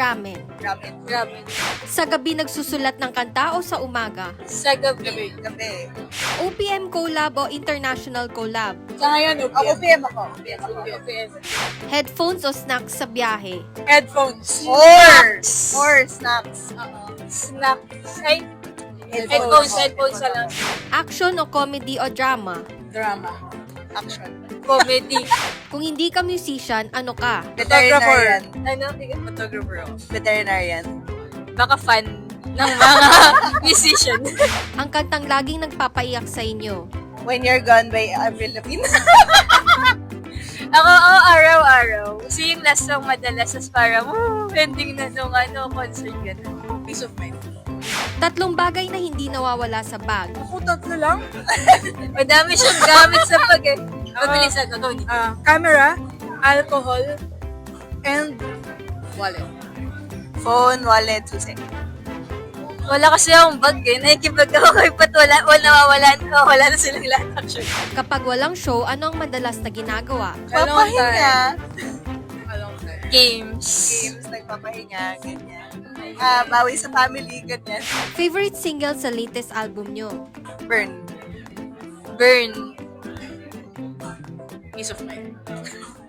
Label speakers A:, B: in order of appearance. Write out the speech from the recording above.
A: ramen?
B: Ramen.
A: Sa gabi nagsusulat ng kanta o sa umaga?
B: Sa gabi.
C: Gabi.
A: OPM collab o international collab?
B: Sa ngayon,
C: OPM ako.
B: OPM.
A: Headphones o snacks sa biyahe?
B: Headphones.
C: Or snacks.
B: Snacks. Ay, headphones na lang.
A: Action o comedy o drama?
B: Drama.
C: Action.
B: Comedy.
A: Kung hindi ka musician, ano ka?
C: Veterinarian.
B: Ano? Photographer.
C: Veterinarian.
B: Baka fan ng mga musician.
A: Ang kantang laging nagpapaiyak sa inyo?
C: When You're Gone by Avril Lavigne.
B: Ako, araw-araw. Kasi yung last song madalas as parang, ending na nung concert gano'n. Peace of mind.
A: 3 bagay na hindi nawawala sa bag.
C: Ako, tatlo lang.
B: Madami siyang gamit sa pag eh. Mabilisan ko, Tony.
D: Camera, alcohol, and wallet.
C: Phone, wallet, susi.
B: Wala kasi akong bag eh. Nakikibag ako kay Pat. Wala na silang lahat actually.
A: Kapag walang show, ano ang madalas na ginagawa?
C: Papahinga.
B: Games.
C: Games, nagpapahinga, ganyan. Bawi sa family, ganyan.
A: Favorite single sa latest album nyo?
C: Burn.
B: Burn.
D: Peace of mind.